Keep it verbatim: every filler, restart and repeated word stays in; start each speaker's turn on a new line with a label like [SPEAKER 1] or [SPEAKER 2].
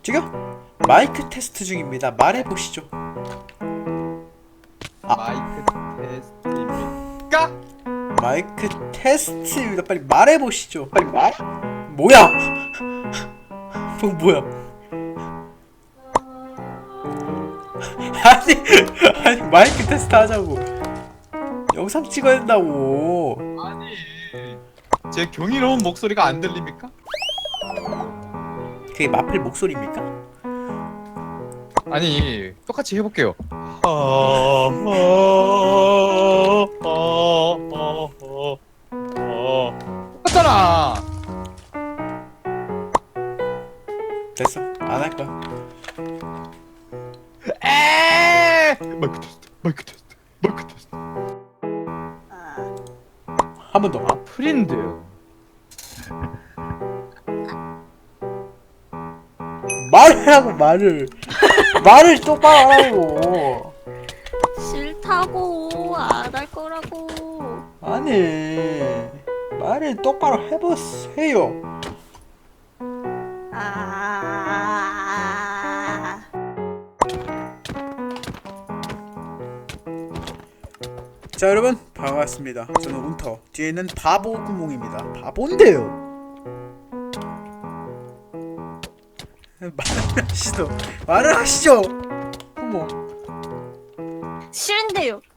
[SPEAKER 1] 저기요? 마이크 테스트 중입니다. 말해보시죠. 아.
[SPEAKER 2] 마이크 테스트입니까?
[SPEAKER 1] 마이크 테스트입니다. 빨리 말해보시죠. 빨리 말. 뭐야? 뭐 뭐야? 아니 아니 마이크 테스트 하자고. 영상 찍어야 된다고.
[SPEAKER 2] 아니, 제 경이로운 목소리가 안 들립니까?
[SPEAKER 1] 그게 마플 목소리입니까?
[SPEAKER 2] 아니, 똑같이 해볼게요. 똑같잖아.
[SPEAKER 1] 됐어. 안 할 거야.
[SPEAKER 2] 에 마이크 테스트, 마이크 테스트, 마이크 테스트.
[SPEAKER 1] 한 번 더.
[SPEAKER 2] 아, 프린데요.
[SPEAKER 1] 말을 하고 말을. 말을 똑바로 하라고.
[SPEAKER 3] 싫다고 안 할 거라고.
[SPEAKER 1] 아니 말을 똑바로 해보세요.
[SPEAKER 3] 아.
[SPEAKER 1] 자 여러분 반갑습니다. 저는 운터. 뒤에는 바보 구멍입니다. 바본데요. 말을 하시죠. 말을 하시죠. 어머.
[SPEAKER 3] 싫은데요.